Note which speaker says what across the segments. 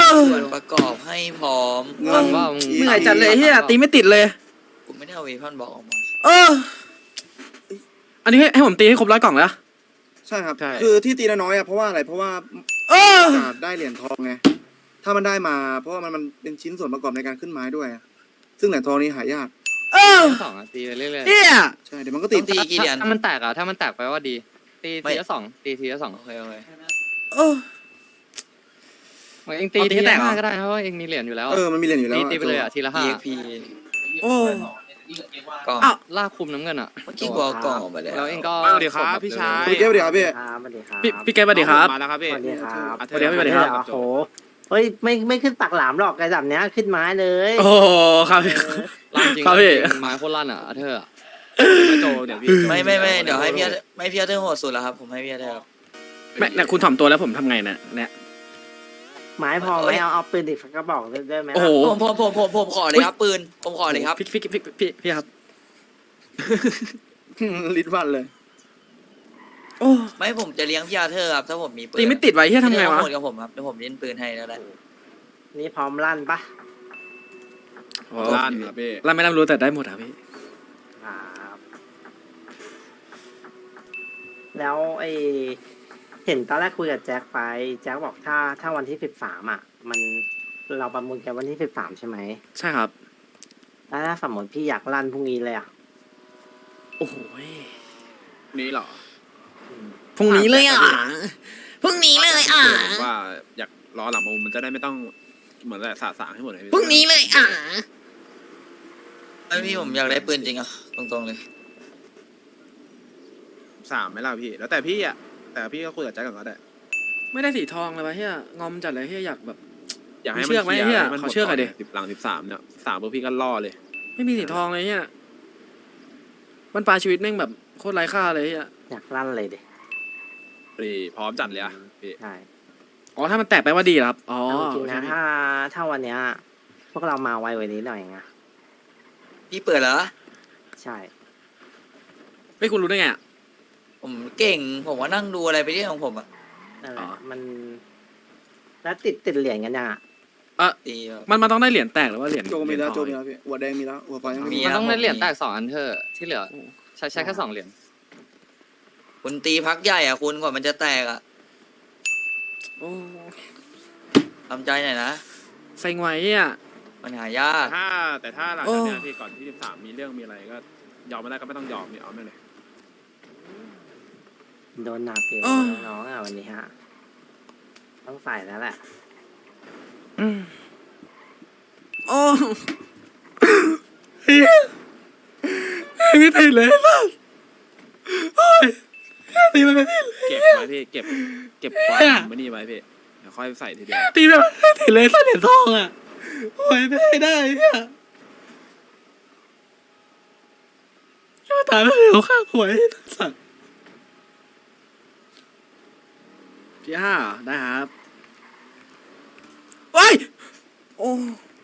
Speaker 1: ส่วนประกอบให้พร้อม
Speaker 2: ว่า
Speaker 3: เหนื่อยจัดเลยเฮียตีไม่ติดเลย
Speaker 1: กูไม่ได้เอาเวพอนบอกออกมา
Speaker 3: อันนี้ให้ผมตีให้ครบ100 กล่องแล้ว
Speaker 4: ใช่ครับคือที่ตีน้อยๆเพราะว่าอะไรเพราะว่าได้เหรียญทองไงถ้ามันได้มาเพราะว่ามันเป็นชิ้นส่วนประกอบในการขึ้นไม้ด้วยซึ่งเหรียญทองนี้หายาก
Speaker 2: สองตีไปเรื่อยๆ
Speaker 4: ใช่เดี๋ยวมันก็
Speaker 1: ต้
Speaker 4: ติ
Speaker 1: อ
Speaker 4: ด
Speaker 1: งตีกี่เหรียญ
Speaker 2: ถ้ามันแตกถ้ามันแตกไปว่าดีตีทีละ2ตีทีละ2
Speaker 1: โอเค
Speaker 2: เองตีทีละ5ก็ได้เพราะว่าเองมีเหรียญอยู่แล้ว
Speaker 4: มันมีเหรียญอยู่แล้ว
Speaker 2: ตีไปเลยทีละ5
Speaker 1: EXP กล่อง
Speaker 2: ลากคุมน้ำเงิน
Speaker 1: เมื่อกี้กูเอากล่องออกมาแล้ว
Speaker 2: แล้วเองก็
Speaker 5: สวัสดีครับพี่ชาย
Speaker 4: พี่เก็บเดี๋ยวพี่
Speaker 3: พี่แกสวัสดีครับ
Speaker 5: มาแล้วครับพี่
Speaker 6: สวัสดีครับ
Speaker 3: สวัสดีครับสวัสดีครับ
Speaker 6: โอ้โหเฮ้ยไม่ขึ้นปากหลามหรอกไอ้แบบเนี้ยขึ้นไม้เลย
Speaker 3: โอ้ครับพี่
Speaker 2: ลั่นจริง
Speaker 3: ครับพี่
Speaker 2: ไม้โคตรลั่นเธอ
Speaker 5: มาโจเดี๋ยวพี่
Speaker 1: ไม่เดี๋ยวให้พี่เธอโหดสุดแล้วครับผมให้พี่เธอครับ
Speaker 3: ไม่เนี่ยคุณถ่อมตัวแล้วผมทำไงเนี่ย
Speaker 6: ไม้พอไหมเอาปืนอีกสักกระบอกได้ไหม
Speaker 3: โอ้โห
Speaker 1: ผมขอเลยครับปืนผมขอเลยครับ
Speaker 3: พี่ครับ
Speaker 4: ลิ้นวันเลย
Speaker 3: โอ้
Speaker 1: ไม่ผมจะเลี้ยงพี่เธอครับถ้าผมมีปืน
Speaker 3: ตีไม่ติดไว้เฮียทำไงวะ
Speaker 1: โหดกับผมครับเดี๋ยวผมเล่นปืนให้แล้วแหละ
Speaker 6: นี่พร้อมลั่นปะ
Speaker 5: ลั่นครับพี่
Speaker 3: เราไม่รับรู้แต่ได้หมดครับพี่
Speaker 6: ครับแล้วเห็นตอนแรกคุยกับแจ็คไปแจ็คบอกถ้าวันที่13มันเราประมูลกันวันที่13ใช่ไหม
Speaker 3: ใช่ครับ
Speaker 6: แล้วถ้าสมมติพี่อยากลั่นพรุ่งนี้เลย
Speaker 3: โอ้โห
Speaker 5: นี้เหรอ
Speaker 3: พรุ่งนี้เลยพรุ่งนี้เลย
Speaker 5: ว่าอยากรอหลังประมูลมันจะได้ไม่ต้องเหมือนแบบสะสางให้หมดเลย
Speaker 3: พรุ่งนี้เลย
Speaker 1: ไอพี่ผมอยากได้ปืนจริงอ่ะตรงๆเลย
Speaker 5: 3ไหมล่ะพี่แล้วแต่พี่แต่พี่ก็คุยกับแจ็คก่อนก็ได้
Speaker 3: ไม่ได้สีทองเลยวะเฮียงอมจัดเลยเฮียอยากแบบ
Speaker 5: อยากให้
Speaker 3: เชื่อไหมเหี้ยขอเชื่อหน่อยดิ
Speaker 5: หลัง13เนี่ย3ปุ๊บพี่ก็ล่อเลย
Speaker 3: ไม่มีสีทองเลยเฮียมันปลายชีวิตแม่งแบบโคตรไร้ค่าเลยเฮีย
Speaker 6: อยากลั่นเลยดิ
Speaker 5: พี่พร้อมจัดเลยพี่
Speaker 6: ใช่
Speaker 3: อ๋อถ้ามันแตกไปว่าดีเหรอครับอ๋อ
Speaker 6: จริงนะถ้าวันเนี้ยพวกเรามาไวกว่านี้หน่อยไง
Speaker 1: พี่เปิดเหรอ
Speaker 6: ใช่
Speaker 3: ไม่คุณรู้ได้ไง
Speaker 1: ผมเก่งผมว่านั่งดูอะไรไปเรื่อยของผมอ่ะ
Speaker 6: นั่นแหละมันแล้วติดเหรียญกันยัง
Speaker 1: ตีแบบ
Speaker 3: มันต้องได้เหรียญแตกหรือว่าเหรียญ
Speaker 4: โจมีแล้ว
Speaker 3: เห
Speaker 4: โจ
Speaker 3: รียญ
Speaker 4: มีแล้วพี่หัวแดงมีแล้วหัวฟ้ายัง
Speaker 1: มี
Speaker 4: มี
Speaker 2: มันต้องได้เหรียญแตก2อันที่เหลือใช้แค่2เหรียญ
Speaker 1: คุณตีพักใหญ่อ่ะคุณกว่ามันจะแตกอ่ะ
Speaker 3: โอ้
Speaker 1: ทำใจหน่อยนะ
Speaker 3: เซ็งไว้เฮีย
Speaker 1: มันหายาก
Speaker 5: แต่ถ้าหลังจากนี้พี่ก่อนที่13มีเรื่องมีอะไรก็ยอมไม่ได้ก็ไม่ต้องยอมนี่เอาไม่เลย
Speaker 6: โดนหนักอยู่น้องวันนี้ต้องใส่แล้วแหละ
Speaker 3: โอ้เฮียไม่ติดเลยล่ะโอ้ยตีมันไม่ติด
Speaker 5: เก็บไว้พี่เก็บความไม่นี่ไว้พี่เดี๋ยวค่อยใส่ทีเดียว
Speaker 3: ตีแบบไม่ติดเลยเหรียญทองอ่ะโอ้ยไม่ได้เนี่ยยังตายไม่เหลวข้างหวยสัตว์ที่5ได้ครับว้ายโอ้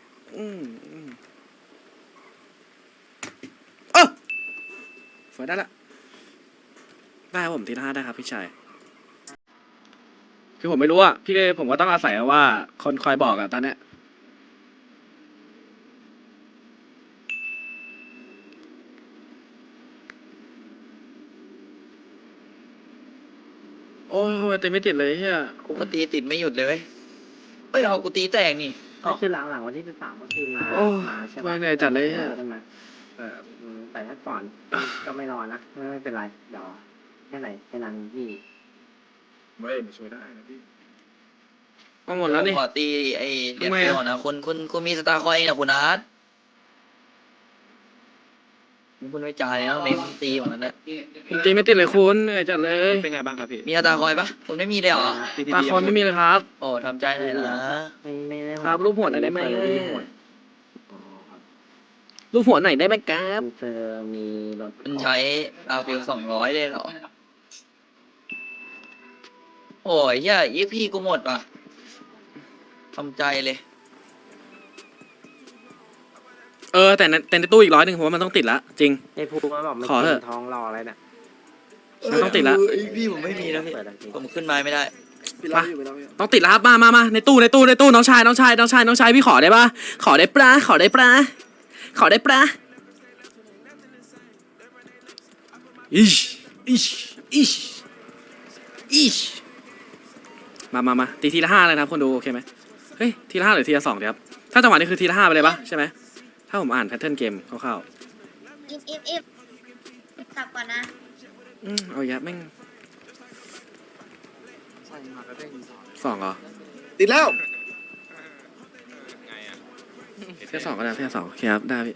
Speaker 3: ฝนได้ละได้ครับผมที่5ได้ครับพี่ชายคือผมไม่รู้อ่ะพี่ผมก็ต้องอาศัยว่าคนคอยบอกอ่ะตอนเนี้ยโอ้ยตีไม่ติดเลยเฮีย
Speaker 1: กูก็ตีติดไม่หยุดเลยเว้ยเฮ้ยเอากูตีแตกนี่
Speaker 6: ก็คือหลังวันที่13ก็คือมาใช่ไหม
Speaker 3: วางเหนื่อยจัดเลยเฮีย
Speaker 6: แต่ถ้าก่อนก็ไม่รอนะไม่เป็นไรเดี๋ยวแค่นั้นพี่
Speaker 5: ไม่ช่วยได้นะพี่
Speaker 3: มาหมดแล้วนี่
Speaker 1: ขอตีไอ้เด็ก
Speaker 3: ทำไม
Speaker 1: ก่อนนะคุณมีสตาร์คอยนะคุณอาร์ตคุณไม่จ่ายนะเมมตีเหมือนกันนะ
Speaker 3: ผมตีไม่ติดเลยคุณเหนื่อยจัดเลย
Speaker 5: เป็นไงบ้างครับพี่
Speaker 1: มีสตาร์คอยปะคุณไม่มีเลยเหรอ
Speaker 3: ตาคอนไม่มีเลยครับ
Speaker 1: โอ้ทำใจหน่อยนะ
Speaker 6: ไม่ได้
Speaker 3: ครับรูปหัวหน่อยได้ไหมรูปหัวหน่อยได้ไหมครับ
Speaker 6: เจอมีรถ
Speaker 1: คุณใช้อาฟิล200เลยเหรอโอ้ยเฮียยี่พี่กูหมดว่ะทำใจเลย
Speaker 3: แต่ในตู้อีก100ผมว่ามันต้องติดละจริง
Speaker 6: ไอ้ภูมิมันบอกมัน
Speaker 3: ขอเถอะ
Speaker 6: ท้องรออะไรเนี่ย
Speaker 3: มันต้องติดละ
Speaker 1: พี่ผมไม่มีนะพี่ผมขึ้นไม้ไม่ได้
Speaker 4: พี่ปิดแล้วอยู่ปิดแล้วอยู่
Speaker 3: ต้องติดแล้วครับมาในตู้น้องชายพี่ขอได้ปะขอได้ปะอิชมาตีทีละ5เลยนะครับคนดูโอเคไหมเฮ้ยทีละ5หรือทีละ2เดี๋ยวครับถ้าจังหวะนี้คือทีละ5ไปเลยปะใช่ไหมถ้าผมอ่านแพทเทิร์นเกมคร่าว
Speaker 7: อิฟกลับก่อนนะ
Speaker 3: ๆเอาอีกแล้วแม่ง2เหรอ
Speaker 4: ติดแล้ว
Speaker 3: เทีย2ก็ได้เทีย2โอเคครับได้พี่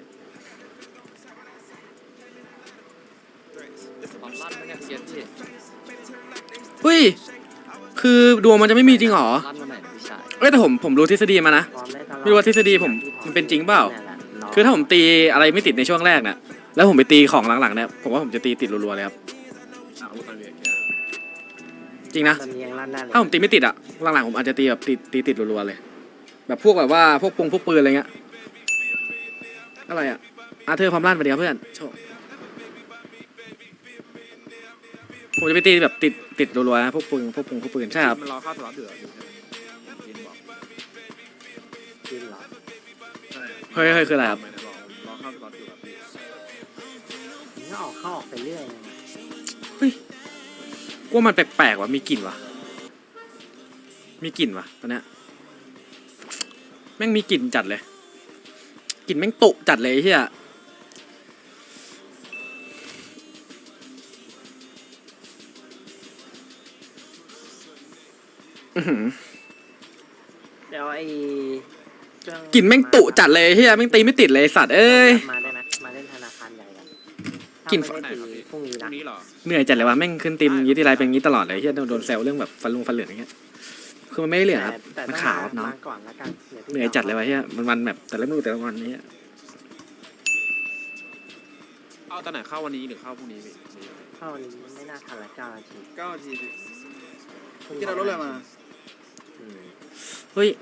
Speaker 2: ความลั่นมันเนี่ยเกียร์พี่
Speaker 3: เฮ้ยคือดวงมันจะไม่มีจริงเหรอ
Speaker 2: ลั่นมาไหนนะพี่ชาย
Speaker 3: เอ้ยแต่ผมรู้ทฤษฎีมานะ
Speaker 6: พร้อมได้ตลอด
Speaker 3: ไม่รู้ว่าทฤษฎีผมมันเป็นจริงเปล่า
Speaker 6: นั่นแหละร
Speaker 3: คือถ้าผมตีอะไรไม่ติดในช่วงแรกเนี่ยแล้วผมไปตีของหลังๆเนี่ยผมว่าผมจะตีติดรัวๆเลยครับ
Speaker 5: อาวุธมันเวียน
Speaker 3: จริงนะ
Speaker 6: ตอนนี้ยังลั่นได้เลย
Speaker 3: ถ้าผมตีไม่ติดอะหลังๆผมอาจจะตีแบบติดรัวๆเลย แบบพวกแบบว่าพวกปืนอะไรเงี้ยอะไรอะอาเธอร์ความลั่นไปดีครับเพื่อนโชว์ผมจะไปตีแบบติดรัวๆนะพวกปืนใช่ครับ
Speaker 5: มันรอเข้าสล็อตเดือดอยู่จินบอก
Speaker 6: จริงเหรอ
Speaker 3: เฮ้ยคืออะไรครับ
Speaker 5: ไม่ได้บอกรอเข้าสล็อตเดือดพี่
Speaker 6: มันก็เข้าออกไปเรื่อยนะ
Speaker 3: กูว่ามันแปลกๆว่ะมีกลิ่นว่ะตอนเนี้ยแม่งมีกลิ่นจัดเลยกลิ่นแม่งตุจัดเลยไอ้เฮียอื้อหือ
Speaker 6: เดี๋ยวไอ้เครื่อง
Speaker 3: กลิ่นแม่งตุจัดเลยเฮียแม่งตีไม่ติดเลยไอ้สัตว์เอ้ย
Speaker 6: มาได้ไหมมาเล่นธนาคารใหญ่กัน
Speaker 3: กลิ่น
Speaker 6: ถ้าไม่ได้ตีพรุ่งนี้
Speaker 5: พรุ่
Speaker 6: นะ
Speaker 5: งนี้เหรอ
Speaker 3: เหนื่อยจัดเลยว่ะแม่งขึ้นตีมยี่ทีไรเป็นงี้ตลอดเลยเฮียโดนแซวเรื่องแบบฟันเหลืองอย่างเงี้ยคือมันไม่ได้เหลืองครับ
Speaker 6: แต่
Speaker 3: มัน
Speaker 6: ต้อง
Speaker 3: ขาวครับน้อง
Speaker 6: มาก่อนละกันดี๋วพี่
Speaker 3: เหนื่อยจัดเลยว่ะเฮียมันแบบแต่ละวันนี้ย
Speaker 5: เอาตอนไหนเข้าวันนี้หรือเข้าพรุ่งนี้พี่
Speaker 6: เข้าวันนี้ไม่น่าทันละ9 นาที
Speaker 4: 9 นาทีพี่ที่เรารถอะไรมา
Speaker 6: อืม
Speaker 3: เฮ้ย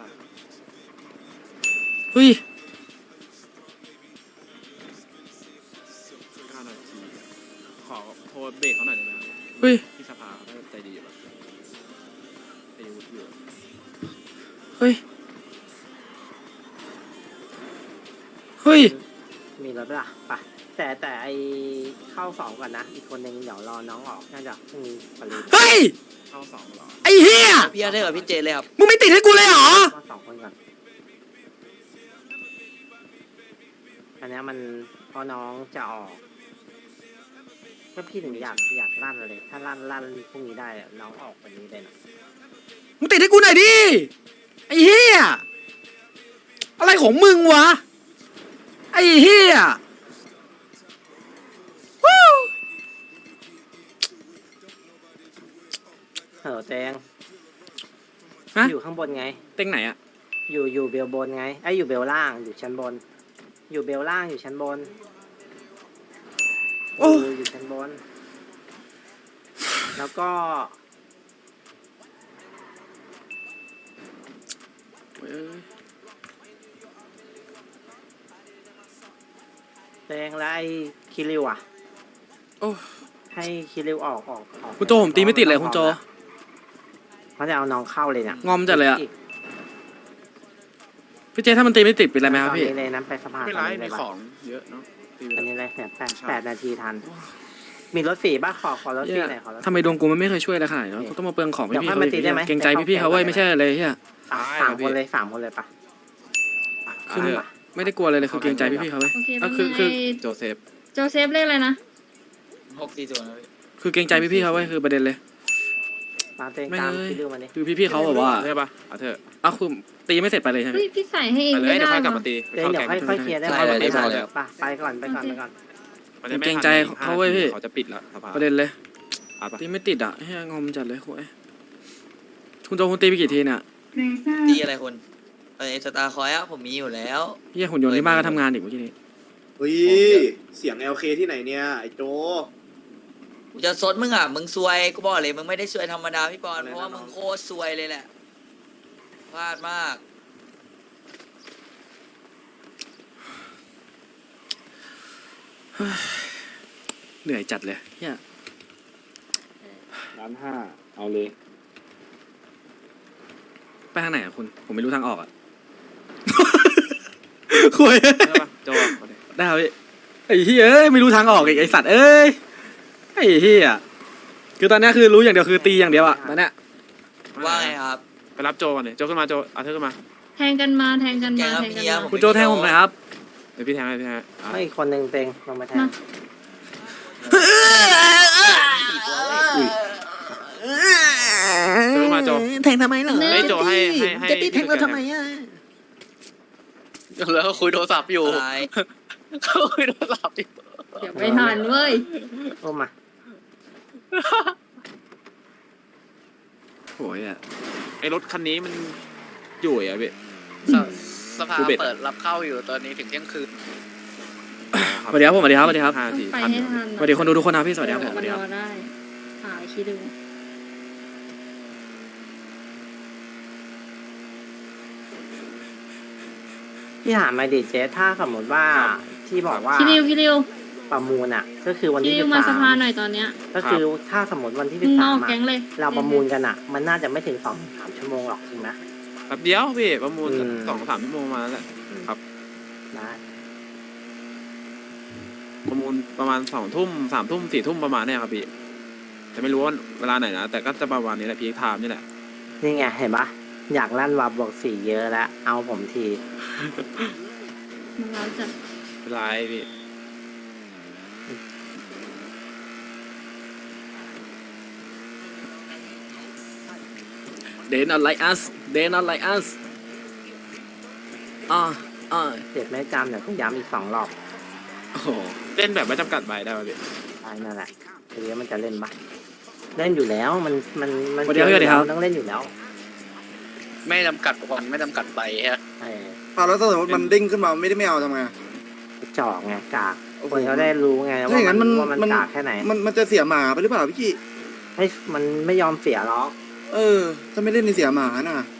Speaker 5: 9 นาทีขอโทรเบรกเขาหน่อยได้ไหมครับ
Speaker 3: เฮ้ย
Speaker 5: ที่สภาเขาใจดีอยู่แบบใจดีอยู่
Speaker 3: เฮ้ย
Speaker 6: มีรถปะล่ะไปแต่ไอเข้า2ก่อนนะ อีกคนนึงเดี๋ยวรอน้องออกน่าจะพรุ่งนี้ปรี
Speaker 3: เฮ้ย
Speaker 5: เข้า2เหรอ
Speaker 3: ไอ้เฮีย
Speaker 1: พี่อาเธอร์กับพี่เจเลยครับ
Speaker 3: มึงไม่ติดให้กูเลยเหรอ
Speaker 6: ว่า2 คนก่อนอันเนี้ยมันพอน้องจะออกก็พี่ถึงอยากลั่นเลย ถ้าลั่นพรุ่งนี้ได้อะน้องออกวันนี้เลยนะ
Speaker 3: มึงติดให้กูหน่อยดิไอ้เฮียอะไรของมึงวะไอ้เฮียวู้
Speaker 6: เออแตง
Speaker 3: ฮะ
Speaker 6: อยู่ข้างบนไง
Speaker 3: เต็งไหนอะ
Speaker 6: อยู่เบลบนไงไอ้ยอยู่เบลล่างอยู่ชั้นบน อยู่เบลล่างอยู่ชั้นบน
Speaker 3: โอ้
Speaker 6: อยู่ชั้นบน แล้วก็ แตงและไอ้คิริวอ่ะ
Speaker 3: โอ้
Speaker 6: ให้คิริวออก
Speaker 3: คุณโจผมตีไม่ติดเลยคุณโจ
Speaker 6: เขาจะเอาน้องเข้าเลยเนี่ย
Speaker 3: งอมจัดเลยอะ พี่เจถ้ามันตีไม่ติดเป็นไรไหมครับพี่
Speaker 6: ตอนนี้เลยนั้นไปสภา
Speaker 5: ไม่เป็นไร
Speaker 6: ตอนนี้
Speaker 5: มี
Speaker 6: เลย
Speaker 5: ข
Speaker 6: ปะ
Speaker 5: องเยอะเนาะตีไป
Speaker 6: อัน
Speaker 5: เลย
Speaker 6: นี้เลยเนี่ย8 นาทีทัน มีรถสีป่ะขอรถสีหน่อยขอรถ
Speaker 3: ทำไมดวงกูมันไม่เคยช่วยอะไรขนาดนี้วะกูต้องมาเปลืองของพี่
Speaker 6: เดี๋ยว
Speaker 3: ๆ
Speaker 6: ค่อย
Speaker 3: เขา
Speaker 6: มาตีได้ไหม
Speaker 3: เกรงใจพี่ๆเขาเว้ยไม่ใช่อะไรเฮีย
Speaker 6: สามคนเลยปะ
Speaker 3: คือไม่ได้กลัวอะไรเลยคือเกรงใจพี่ๆเขาเว้ย
Speaker 7: โอเค
Speaker 3: ก็
Speaker 7: แป๊บ
Speaker 3: คือ
Speaker 7: นึง
Speaker 3: คือ
Speaker 7: ไอ้
Speaker 5: โจเซฟ
Speaker 7: โจเซฟเรียกอะไรนะ
Speaker 1: 640นะพี่
Speaker 3: คือเกรงใจพี่ๆเขาเว้ยคือประเด็นเลย
Speaker 6: มาเต็ง
Speaker 3: ไม่
Speaker 6: ตาม
Speaker 3: เลย
Speaker 6: คิริวมาดิ
Speaker 3: คือพี่ๆเขาแบบว่า
Speaker 5: ใช่ปะเอาเถอะ
Speaker 3: อ้าวคือตีไม่เสร็จไปเลยใช่ไหม
Speaker 7: เฮ้ยพี่ใส่ให้เอง
Speaker 5: ไปเลย
Speaker 7: ไม่
Speaker 5: เดี๋ยว
Speaker 7: ได้
Speaker 5: ค่อยกลับ
Speaker 7: เหร
Speaker 5: มา
Speaker 7: อ
Speaker 5: ตี
Speaker 6: เดี๋ยวค่อยเคลียร์ได้ไหมไม่ทันไปก่อน
Speaker 5: มันจะไม่
Speaker 3: เกรงใจเขาเว้ยพี่
Speaker 5: เขาจะปิดแล้วสภา
Speaker 3: ประเด็นเลย
Speaker 5: เอาปะ
Speaker 3: ตีไม่ติดอ่ะเฮียงอมจัดเลยโว้ยคุณโจคุณตีไปกี่ทีเนี่ย
Speaker 1: ตีอะไรคนสตาร์คอยอะผมมีอยู่แล้ว
Speaker 3: เฮียหุ่นยนต์ที่บ้านก็ทำงานอีกเมื่อกี้นี้
Speaker 8: เฮ้ย เสียง LK ที่ไหนเนี่ย ไอ้โจ
Speaker 1: กูจะซดมึงอ่ะ มึงซวย กูบอกเลย มึงไม่ได้ซวยธรรมดาพี่ปอน เพราะว่ามึงโคตรซวยเลยแหละ พลาดมาก
Speaker 3: เหนื่อยจัดเลยเฮีย
Speaker 8: 1.5 เอาเลย
Speaker 3: ไปทางไหนอะคุณผมไม่รู้ทางออกอะ คุย
Speaker 5: ได้ปะโจเอาดิ
Speaker 3: ได้ครับพี่ไอ้เหี้ยเอ้ยไม่รู้ทางออกอีกไอ้สัตว์เอ้ยไอ้เหี้ยคือตอนเนี้ยคือรู้อย่างเดียวคือตีอย่างเดียวอะตอนเนี้ย
Speaker 1: ว่าไงครับ
Speaker 5: ไปรับโจก่อนเลยโจขึ้นมาโจเอาเธอขึ้นมา
Speaker 7: แทงกันมาแทงกัน
Speaker 1: แก
Speaker 7: มา
Speaker 1: ครับ
Speaker 7: แทงกัน
Speaker 1: เฮีย
Speaker 7: มา
Speaker 1: ผม
Speaker 3: คุณโจแทงผมหน่อยครับ
Speaker 5: เดี๋ยวพี่แทงให้พี่แทงให้อ่ะ
Speaker 6: ไม่อีกคนหนึ่งเต็งลงมาแทน
Speaker 5: โจขึ้นมาโจ
Speaker 6: แทงทำไมเหรอ
Speaker 5: เฮ้ยโจให้
Speaker 6: จะตีแทงเราทำไมอ่ะ
Speaker 2: แล้วก็คุยโทรศัพท์อยู่
Speaker 1: อะไร
Speaker 2: เขาคุยโทรศัพท์อยู่
Speaker 7: เดี๋ยวไม่ทันเว้ย
Speaker 6: โอ้มา
Speaker 3: โอ้ยอะ
Speaker 5: ไอ้รถคันนี้มันอยู่อ่ะพี่
Speaker 2: สภา
Speaker 5: กูเบ็ด
Speaker 2: เปิดรับเข้าอยู่ตอนนี้ถึงเที่ยงคืน
Speaker 3: สวัสดีครับผมสวัสดีครับสวัสดีครับ
Speaker 5: ห้าสี่
Speaker 7: ไป
Speaker 5: พัน
Speaker 7: ให้ทัน
Speaker 3: สวัสดีคนดูทุกคนนะพี่สวัสดีครับผมสวัสดีครับ
Speaker 7: นรอได้หาคิดดู
Speaker 6: พี่ถามมาดิเจสถ้าสมมติว่าที่บอกว่า
Speaker 7: พี่ริว
Speaker 6: ประมูลอ่ะ ก็คือวัน
Speaker 7: พี่
Speaker 6: ที่
Speaker 7: ริ
Speaker 6: สิ
Speaker 7: ว
Speaker 6: บ
Speaker 7: มาส
Speaker 6: สาม
Speaker 7: ภาหน่อยตอนเนี้ย
Speaker 6: ก็คือถ้าสมมติวันที่
Speaker 7: มึ
Speaker 6: สิ
Speaker 7: ง
Speaker 6: บ
Speaker 7: น
Speaker 6: สา
Speaker 7: อ
Speaker 6: ม
Speaker 7: กแก๊งเลย
Speaker 6: เราประมูลกันอ่ะ มันน่าจะไม่ถึง3 ชั่วโมงหรอกจริงไหม
Speaker 5: แป๊บเดียวพี่ประมูล
Speaker 6: อืม
Speaker 5: 2-3 ชั่วโมงมาแล้วแหละ
Speaker 6: ได้
Speaker 5: ประมูลประมาณ2 ทุ่ม3 ทุ่ม4 ทุ่มประมาณเนี้ยครับพี่แต่ไม่รู้ว่าเวลาไหนนะแต่ก็จะประมาณนี้แหละพีคไทม์นี่แหละ
Speaker 6: นี่ไงเห็นปะอยากลั่นวาบวก4เยอะแล้ว เอาผมที
Speaker 7: มันร้าวจัด
Speaker 5: เป็นไรพี่
Speaker 3: They not like us They not like us
Speaker 6: เจ็บไม่จำเดี๋ยวต้องย้ำอีก2 รอบ
Speaker 3: โอ้โห
Speaker 5: เล่นแบบไม่จำกัดใบได้ป่ะพี่
Speaker 6: ได้นั่นแหละทีนี้มันจะเล่นปะเล่นอยู่แล้วมัน
Speaker 3: สวัสดีครับสวัสดีครับ
Speaker 6: ต้องเล่นอยู่แล้ว
Speaker 2: ไม่จำกัดผมไม่จำกัดใบฮะ
Speaker 6: เออ
Speaker 4: เอาแล้วถ้าสมมติมันเด้งขึ้นมาไม่ได้ไม่เอาทำไง
Speaker 6: จอกไงกาก
Speaker 4: โอ้โห
Speaker 6: คนเขาได้รู้ไง
Speaker 4: ถ้าอย่างนั้นมัน
Speaker 6: ว่ามัน
Speaker 4: มัน
Speaker 6: กากแค่ไหน
Speaker 4: มันจะเสียหมาไปหรือเปล่าพี่กี้
Speaker 6: ไม่มันไม่ยอมเสียหรอก
Speaker 4: ถ้าไม่เล่นในเสียหมาน่ะ